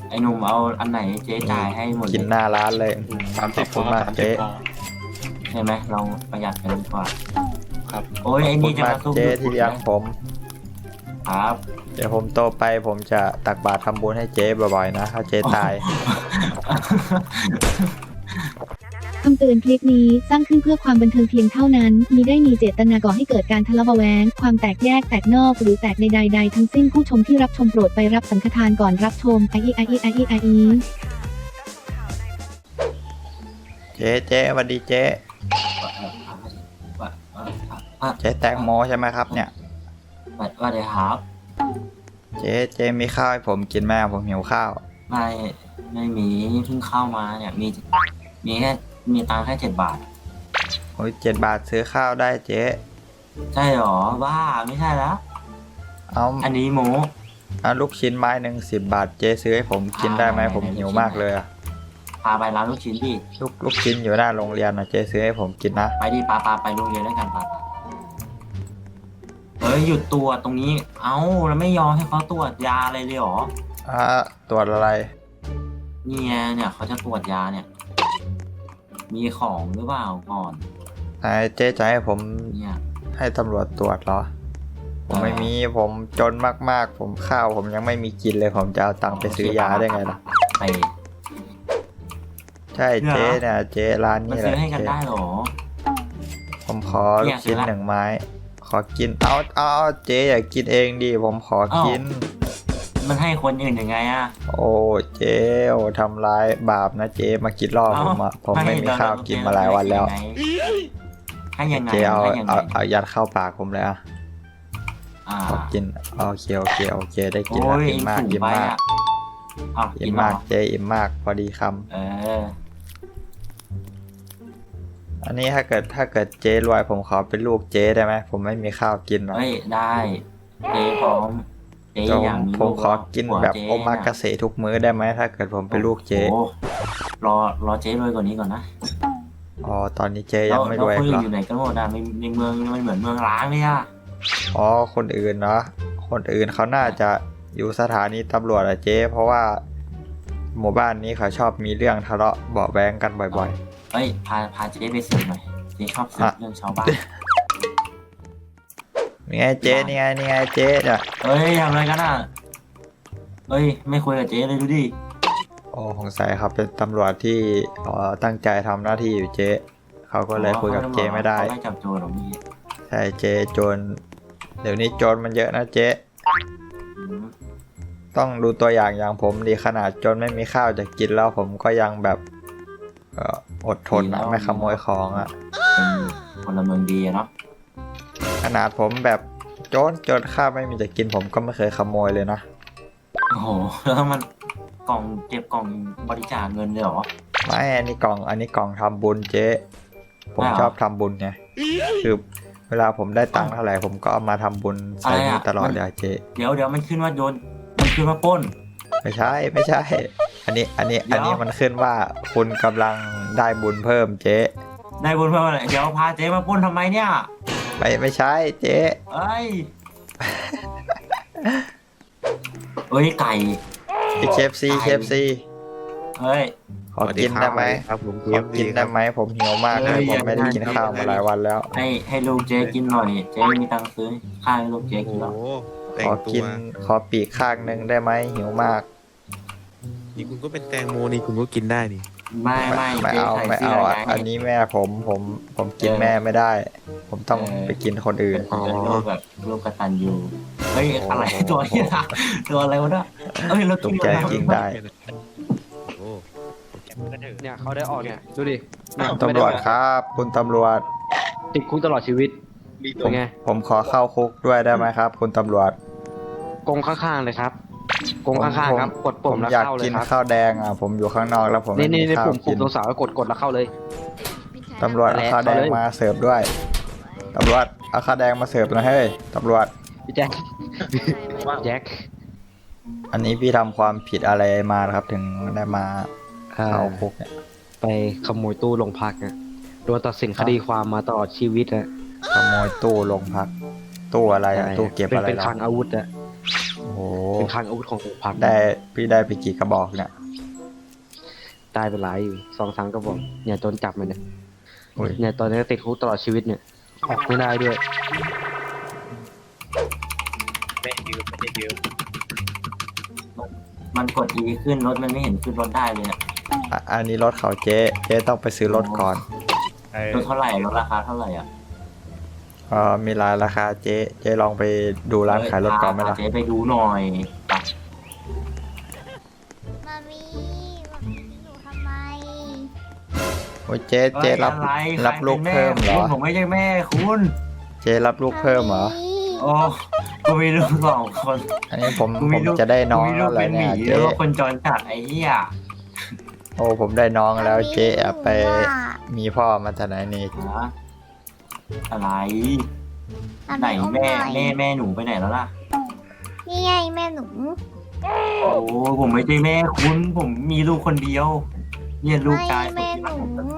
ไอ้หนุ่มเอาอันไหนเจ๊จ่ายให้หมดเลกินยหน้าร้านเลยสามขสิอบบคุณมากเจ๊ใช่ไหมเราประหยัดกันดีกว่าครับโอ้ยขอไอ้บคุนี่ณจะมากมาซุ่มเจ๊ที่เลี้ยงผมครับเดี๋ยวผมโตไปผมจะตักบาตรทำบุญให้เจ๊บ่อยๆนะถ้าเจ๊ตายคำเตือนคลิปนี้สร้างขึ้นเพื่อความบันเทิงเพียงเท่านั้นมิได้มีเจตนาก่อให้เกิดการทะเลาะเบาะแว้งความแตกแยกแตกนอกหรือแตกในใดๆทั้งสิ้นผู้ชมที่รับชมโปรดไปรับสังฆทานก่อนรับชมไอเจ๊สวัสดีเจ๊เจ๊แตงโมใช่ไหมครับเนี่ยว่าเดี๋ยวครับเจ๊มีข้าวให้ผมกินไหมผมหิวข้าวไม่มีเพิ่งเข้ามาเนี่ยมีแค่มีตังค์แค่7 บาทโอ้ย7 บาทซื้อข้าวได้เจ๊ใช่หรอบ้าไม่ใช่แล้วเอาอันนี้หมูเอาลูกชิ้นไม้หนึ่ง10 บาทเจ๊ซื้อให้ผมกินได้ไหมผมหิวมากเลยอะพาไปร้านลูกชิ้นดิลูกชิ้นอยู่หน้าโรงเรียนนะเจ๊ซื้อให้ผมกินนะไปดิปาไปโรงเรียนด้วยกันปาเฮ้ยหยุดตรวจตรงนี้เอ้าแล้วไม่ยอมให้เขาตรวจยาอะไรเลยหรอตรวจอะไรนี่ไงเนี่ยเขาจะตรวจยาเนี่ย มีของหรือเปล่าก่อนเจ๊จะให้ผมเนี่ยให้ตำรวจตรวจเหรอ ผมไม่มีผมจนมากๆ ผมข้าวผมยังไม่มีกินเลยผมจะเอาตังค์ไปซื้อยาได้ไงล่ะไปใช่เจ๊เนี่ยเจ๊ร้านมันนี้แหซื้ละอให้กันเจ๊ได้หรอผมขอเนี่ลูยกชิ้นซื้อละ 1 ไม้ ขอกินเอาเจ๊อย่ากินเองดิผมขอกินมันให้คนอื่นยังไงอะโอ้เจ๊โอ้ทำร้ายบาปนะเจ๊มากินรอบผมอะผมไม่มีข้าวกินมาหลายวันแล้วให้ยังไงเจ๊เอาให้ยังไงเอายัดเข้าปากผมเลยอะอ่าขอกินโอเคได้กินโอ้แล้วยอิ่มมากสูงอิ่มไปมากอะอ้าวกิอิ่นมเหรมาอกเจ๊อิ่มมากพอดีคเออำอันนี้ถ้าเกิดเจ๊รวยผมขอเป็นลูกเจ๊ได้ไหมผมไม่มีข้าวกินหรอกเฮ้ยได้เจ๊พร้อมเจ๊แต่อยากมีผมขอกินหัวแบบเจ๊โอมากาเสะทุกมื้อได้ไหมถ้าเกิดผมเป็นลูกเจ๊โอ้รอเจ๊รวยกว่านี้ก่อนนะอ๋อตอนนี้เจ๊ยังไม่รวยแล้วคนเหรอื่อนอยู่ไหนกันหมดอะในเมืองมันเหมือนเมืองร้างเลยอะอ๋อคนอื่นเนาะคนอื่นเขาน่าจะอยู่สถานีตำรวจอะเจ๊เพราะว่าหมู่บ้านนี้เขาชอบมีเรื่องทะเลาะเบาะแว้งกันบ่อยเฮ้ยพาเจ๊ไปสืบหน่อยเจ๊ชอบสืบเรื่องชาวบ้านๆนี่ไงเจ๊นี่ไงเจ๊เนี่ยเฮ้ยทำอะไรกันอ่ะเฮ้ยไม่คุยกับเจ๊เลยดูดิโอ้สงสัยครับเป็นตำรวจที่ตั้งใจทำหน้าที่อยู่เจ๊เขาก็เลยคุยกับเจ๊ไม่ได้เขาไม่จับโจรหรอกพี่ใช่เจ๊โจรเดี๋ยวนี้โจรมันเยอะนะเจ๊อืมต้องดูตัวอย่างผมดีขนาดจนไม่มีข้าวจะกินแล้วผมก็ยังแบบอดทนนะไม่ขโมยของอะเป็นพลเมืองดีอะเนาะขนาดผมแบบจนข้าวไม่มีจะกินผมก็ไม่เคยขโมยเลยนะโอ้โหแล้วมันกล่องเก็บกล่องบริจาคเงินเลยเหรอไม่อันนี้กล่องทำบุญเจ๊ผมอ้าวชอบทำบุญไงคือเวลาผมได้ตังค์เท่าไหร่ผมก็เอามาทำบุญใส่อะไรนี่อะตลอดมันเลยเจ๊เดี๋ยวมันขึ้นว่าโดนมันขึ้นว่าปล้นไม่ใช่อันนี้มันขึ้นว่าคุณกำลังได้บุญเพิ่มเจ๊ได้บุญเพิ่มอะไรเดี๋ยวพาเจ๊มาปล้นทำไมเนี่ยไม่ใช่เจ๊เอ้ยเฮ้ยไก่เคฟซีเฮ้ยขอกินได้ไหมครับผมขอกินได้ไหมผมหิวมากเลยผมไม่ได้กินข้าวมาหลายวันแล้วให้ลูกเจ๊กินหน่อย เจ๊มีตังค์ซื้อข้าวให้ลูกเจ๊โอ้กินโหหรอแต่ขงอตักิวนขอปีกข้างหนึ่งได้ไหมหิวมากนี่คุณก็เป็นแตงโมนี่คุณก็กินได้นี่ไม่ไม่เจ๊เอาใส่ไม่เสื้อเอาไงอันนี้แม่ผมกินแม่ไม่ได้ ผมต้องไปกินคนอื่นเป็นลูกแบบลูกกตัญญูเฮ้ยอะไรตัวนี้นะตัวอะไรวะเนี่ยเฮ้ยเราตกใจจริงได้โอ้เนี่ยเขาได้ออกเนี่ยดูดิเนี่ยตำรวจครับคุณตำรวจติดคุกตลอดชีวิตเป็นไงผมขอเข้าคุกด้วยได้ไหมครับ คุณตำรวจกงข้างๆเลยครับกงข้างๆครับกดผปุ่มมแล้วอยากเข้าเลกิยนครับข้าวแดงอ่ะผมอยู่ข้างนอกแล้วผมไม่นี่มีข้าวปุ่มกินตรงเสาแล้วกดแล้วเข้าเลยตำรวจเอาข้าวแดงมาเสิร์ฟด้วยตำรวจเอาข้าวแดงมาเสิร์ฟหนะเฮ้ยตำรวจพี่แจ็คแจ็คอันนี้พี่ทำความผิดอะไรมานะครับ ถึงได้มาเข้าคุกเนี่ยไปขโมยตู้โรงพักอ่ะโดนตัดสินคดีความมาตลอดชีวิตอ่ะขโมยตู้โรงพัก ตู้อะไรอะตู้เก็บอะไรเป็นเหรคลังอาวุธอ่ะโอ้โหเป็นคลังอาวุธของโรงพักพี่ได้ไปกี่กระบอกเนี่ยได้ไปหลายอยู่2-3ก็บอกเนี่ยโดนจับมาเนี่ยอุ้ยเนี่ยตอนนี้ติดคุกตลอดชีวิตเนี่ยออกไม่ได้ด้วยไม่ยืมไม่ได้ยืมมันกด E ขึ้นรถมันไม่เห็นขึ้นรถได้เลยอะอันนี้รถเขาเจ๊ต้องไปซื้อรถก่อนรถเท่าไหร่รถราคาเท่าไหร่อ่ะมีหลายราคาเจ๊ลองไปดูร้านขายรถก่อนไหมล่ะเจ๊ไปดูหน่อยไปมามีอยู่ทำไมโอ้ยเจ๊รับลูกเพิ่มเหรอผมไม่ใช่แม่คุณเจ๊รับลูกเพิ่มเหรอโอ้กูมีลูก2 คนอันนี้ผมจะได้น้องกูมีลูแล้กวเป็นหเนี่มียแล้เจ๊วก็คนจรจัดไอ้เหี้ยโอ้ผมได้น้องแล้วเจ๊แอบไปว่ามีพ่อมาจากไหนนี่ฮะอะไรทำไหนอุ้มแม่หน่อยแม่หนูไปไหนแล้วล่ะนี่ไงแม่หนูโอ้ผมไม่ใช่แม่คุณผมมีลูกคนเดียวเนี่ยลูกชายไม่แม่หนู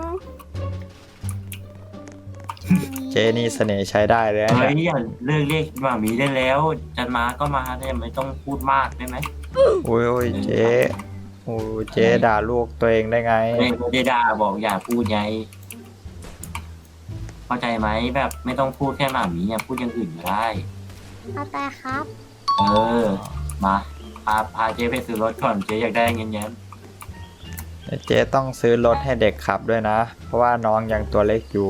เจ๊นี่เสน่ห์ใช้ได้เลยนะเฮ้เนี่ยยอย่าเลิกเรียกหมามีได้แล้วจะมาก็มาเนี่ยไม่ต้องพูดมากได้ไหมโอ้ยเจ๊โอ้ยเจ๊ด่าลูกตัวเองได้ไงไม่ได้ด่าบอกอย่าพูดไงเข้าใจไหมแบบไม่ต้องพูดแค่หมามีเนี่ยพูดอย่างอื่นก็ได้เอาแต่ครับเออ มาพาเจ๊ไปซื้อรถก่อนเจ๊อยากได้เงินแย้มเจ๊ต้องซื้อรถให้เด็กขับด้วยนะ เพราะว่าน้องยังตัวเล็กอยู่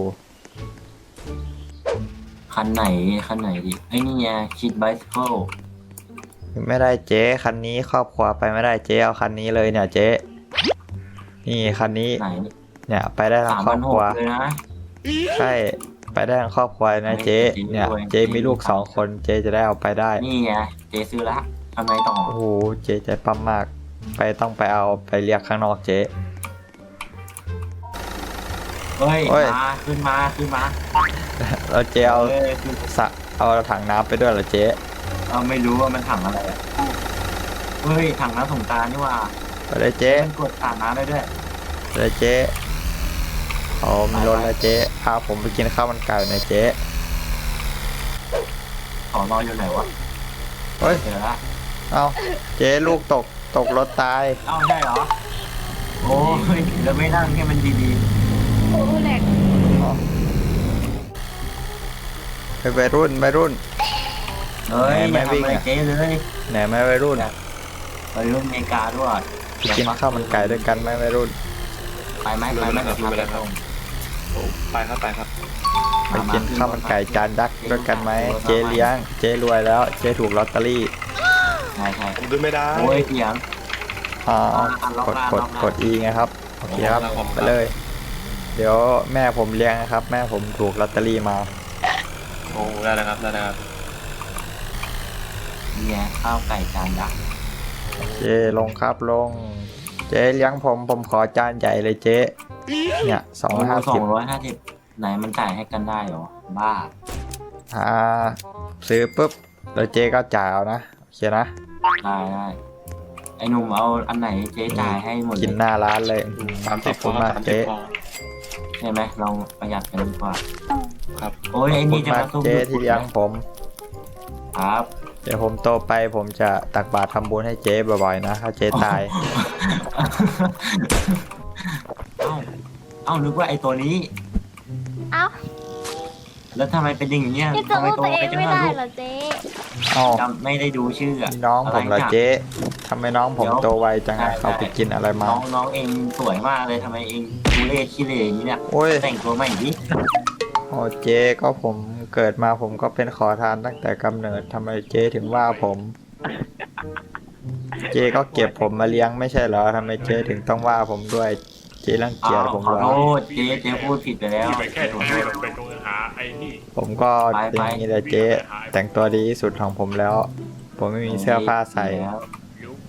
คันไหนดิไอ้นี่ไงคิดไบซิเคิลไม่ได้เจ๊คันนี้ครอบครัวไปไม่ได้เจ๊เอาคันนี้เลยเนี่ยเจ๊นี่คันนี้ไหนเนี่ยไปได้ทั้งครอบครัว 3,600เลยนะใช่ไปได้ทั้งครอบครัวนะเจ๊เนี่ยเจ๊มีลูก2 คนเจ๊จะได้เอาไปได้นี่ไงเจ๊ซื้อละทำไมต่อโอ้โหเจ๊ใจปั๊มมากต้องไปเอาไปเรียกข้างนอกเจ๊เฮ้ยเฮ้ยมาขึ้นมาแล้วเจ๊เอาเอ้ยคือเอาถังน้ำไปด้วยเหรอเจ๊เอาไม่รู้ว่ามันถังอะไรอ่ะเฮ้ยถังน้ำสงกรานต์นี่หว่าไปเลยเจ๊มันกดสาดน้ำได้ด้วยไปเลยเจ๊เอามีรถแล้วเจ๊พาผมไปกินข้าวมันไก่หน่อยเจ๊ขอนอนอยู่ไหนวะเฮ้ยเจอละเอาเจ๊ลูกตกรถตายเอ้าได้เหรอโอ้ยแล้วไม่นั่งให้มันดีโอ้แหลกไปวัยรุ่นๆเฮ้ยอไม่ย่าวิ่งทำอะไรอะเจ๊เลยไหนไหมวัยรุ่นไปรุ่นอเมริกาด้วยไปกินข้าวมันไก่ด้วยกันไหมวัยรุ่นไปไหมเดี๋ยวพาไปส่งไปครับไปครับไปกินข้าวมันไก่จานยักษ์ด้วยกันไหมเจ๊เลี้ยงเจ๊รวยแล้วเจ๊ถูกลอตเตอรี่ใช่ผมดูไม่ได้โอ้ยเสียงกด E ไงครับโอเคครับไปเลย เดี๋ยวแม่ผมเลี้ยงนะครับ แม่ผมถูกลอตเตอรี่มาโอ้ได้แล้วครับได้แล้วครับเนี่ยข้าวไก่จานยักษ์เจ๊ลงครับลง เจ๊เลี้ยงผมขอจานใหญ่เลยเจ๊เนี่ย 250ไหนมันจ่ายให้กันได้เหรอบ้าซื้อปุ๊บแล้วเจ๊ก็จ่ายเอานะโอเคนะได้ไอ้หนุ่มเอาอันไหนเจ๊จ่ายให้หมดกินเลยหน้าร้านเลย 30 ขอบคุณมากเจ๊ใช่ไหมเราประหยัดกันดีกว่าครับโอ้ยขอไอ้บคุนี่ณจะมากมาซุ่มเจ๊ที่เลี้ยงผมครับเดี๋ยวผมโตไปผมจะตักบาตรทำบุญให้เจ๊บ่อยๆนะถ้าเจ๊ตายเอ้านึกว่าไอ้ตัวนี้เอ้าแล้วทำไมเป็นอย่างเงี้ยพี่จะทำไมรู้โตตัวเอไปงจังไม่เลได้ยเหรอเจ๊เอ้าจำไม่ได้ดูชื่ออะนี่น้องผมเหรอเจ๊ทำไมน้องผมโตไวจังอะเขาไปกินอะไรมาน้องเองสวยมากเลยทำไมเองดูเล่ขี้เหร่อย่างนี้เนี่ยโอ้ยแต่งตัวใหม่ดิโอ้เจ๊ก็ผมเกิดมาผมก็เป็นขอทานตั้งแต่กำเนิดทำไมเจ๊ถึงว่าผม เจ๊ก็เก็บผมมาเลี้ยงไม่ใช่เหรอทำไมเจ๊ถึงต้องว่าผมด้วย เจ๊รังเกียจผมขอเหรโทอษเจ๊พูดผิดไปแล้วที่ไปแค่ตรงนี้เราไปตรงหาไอ้นี่ผมก็เป็นอย่างนี้แหละเจ๊แต่งตัวดีที่สุดของผมแล้ว ผมไม่มีเสื้อผ้าใส่แล้วยุบ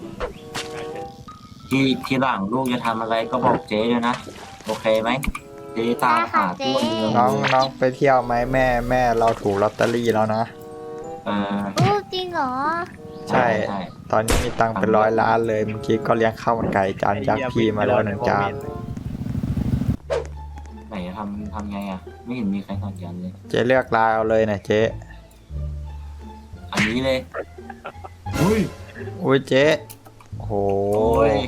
ที่หลังลูกจะทำอะไรก็บอกเจ๊ด้วยนะโอเคไหมเจ๊ตามหาทั่วเมืองน้องไปเที่ยวไหมแม่เราถูกลอตเตอรี่แล้วนะเอออู้จริงเหรอใช่ ตอนนี้มีตังค์เป็น100 ล้านเลยเมื่อกี้ก็เลี้ยงข้าวมันไก่จานยักษ์พี่มาแล้ว1 จานไหนทำไงอ่ะ ไม่เห็นมีใครสอนกันเลยเจ๊เลือกลายเอาเลยนะเจ๊อันนี้เลยอุ้ยอุ้ยเจ๊โอ้โหโอ้ย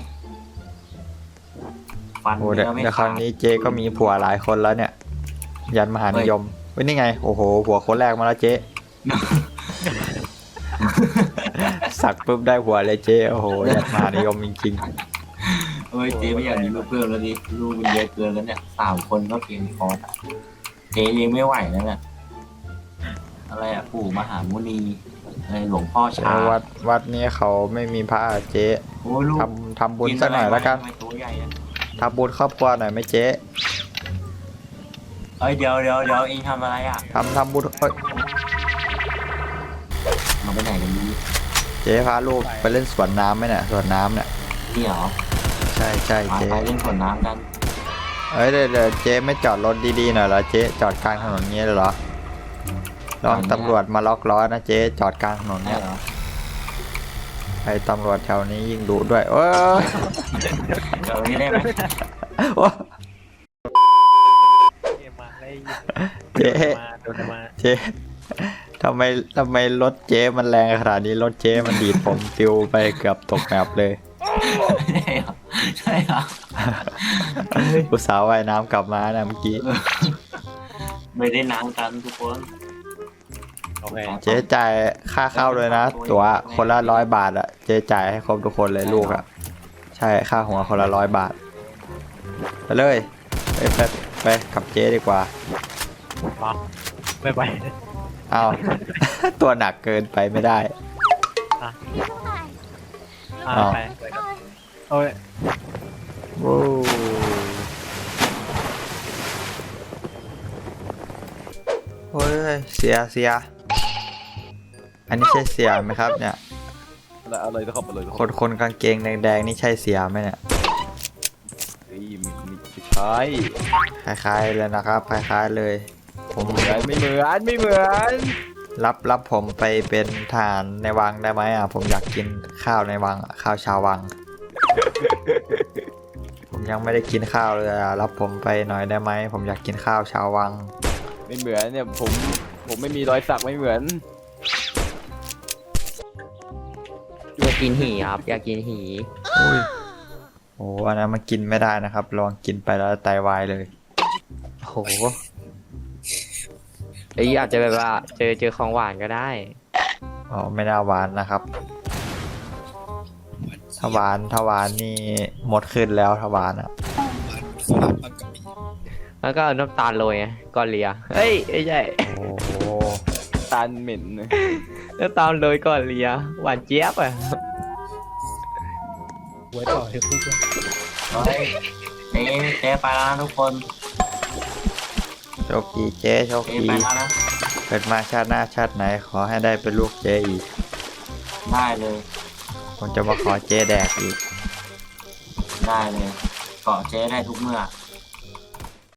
ฟันโอ้เนื้เดี๋ยวอไม่เดี๋ยวคขาดราวนี้เจ๊ก็มีผัวหลายคนแล้วเนี่ย ยันมหานิยมเว้ยนี่ไงโอ้โหผัวคนแรกมาแล้วเจ๊ สักปุ๊บได้ผัวเลยเจ๊โอ้โหยันมหานิยมจริงเฮ้ยเจ๊ไม่อยากมีลูกเพิ่มแล้วดิลูกมันเยอะเกินแล้วเนี่ย3 คนก็เพียงพอเจ๊ยังไม่ไหวแล้วเนี่ยอะไรอะปู่มหามุนีอะไรหลวงพ่อๆชาวัดนี้เขาไม่มีพระอะเจ๊โอ้ยลูกทำบุญสักหน่อยแล้วกันทำไมตัวใหญ่อะทำบุญครอบครัวหน่อยไหมเจ๊เอ้ยเดี๋ยวเองทำอะไรอะทำบุญเอ้ยมาไปไหนกันดีเจ๊พาลูกไปเล่นสวนน้ำไหมเนี่ยสวนน้ำเนี่ยนี่เหรอใช่ใช่มาเจ๊ไปเล่นสวนน้ำกันเอ้ยเดี๋ยวเจ๊ไม่จอดรถดีๆหน่อยเหรอเจ๊จอดกลางถนนเงี้ยเลยเหรอลองตำรวจมาล็อกล้อนะเจ๊จอดกลางถนนได้เนี่ยเหรอไอ้ตำรวจแถวนี้ยิ่งดุด้วยโอ้ยเดี๋ยวนี้ได้ไหมโอ้ยมาได้เจ๊มาโดนมาเจ๊ทำไมรถเจ๊มันแรงขนาดนี้รถเจ๊มันดีดผมปิวไปเกือบตกแมปเลยใช่เหรอใช่เหรออุตส่าห์ว่ายน้ำกลับมานะเมื่อกี้ไม่ได้น้ำกันทุกคนโอเคเจ๊จ่ายค่าเข้าเลยนะ ตั๋วคนละ100 บาทอะเจ๊จ่ายให้ครบทุกคนเลยลูกอะใช่ค่าหัวคนละ100 บาทไปเลยไปกับเจ๊ดีกว่าไม่ไปอ้าว ตัวหนักเกินไปไม่ได้ อ้าวไปโอ้ยโอ้โอ้ยเสียอันนี้ใช่เสียไหมครับเนี่ยเอาเลยนะครับเอาเลยคนกางเกงแดงๆนี่ใช่เสียไหมเนี่ยมีใช่คล้ายๆเลยนะครับคล้ายๆเลยผมไม่เหมือนรับผมไปเป็นทหารในวังได้ไหมอ่ะผมอยากกินข้าวในวังอะข้าวชาววัง ผมยังไม่ได้กินข้าวเลยอ่ะรับผมไปหน่อยได้ไหมผมอยากกินข้าวชาววังไม่เหมือนเนี่ยผมไม่มีรอยสักไม่เหมือนอยากกินหีครับอยากกินหีอุ้ยโอ้อันนั้นมันกินไม่ได้นะครับลองกินไปแล้วไตวายเลยโหไอ้ยอาจจะแบบว่าเจอของหวานก็ได้อ๋อไม่น่าหวานนะครับถ้าหวานนี่หมดขึ้นแล้วถ้าหวานอ่ะแล้วก็เอาน้ำตาลโรยไงก่อนเลียเฮ้ยไม่ใช่โอ้โหตาลเหม็นเลยน้ำตาลโรยก่อนเลียหวานเจี๊ยบอ่ะเฮ้ยเจ๊ไปแล้วนะทุกคนโชคดีเจ๊โชคเจ๊ดีไปแล้วนะเกิดมาชาติหน้าชาติไหนขอให้ได้เป็นลูกเจ๊อีกได้เลยผมจะมาขอเจ๊แดกอีกได้เลยเกาะเจ๊ได้ทุกเมื่อ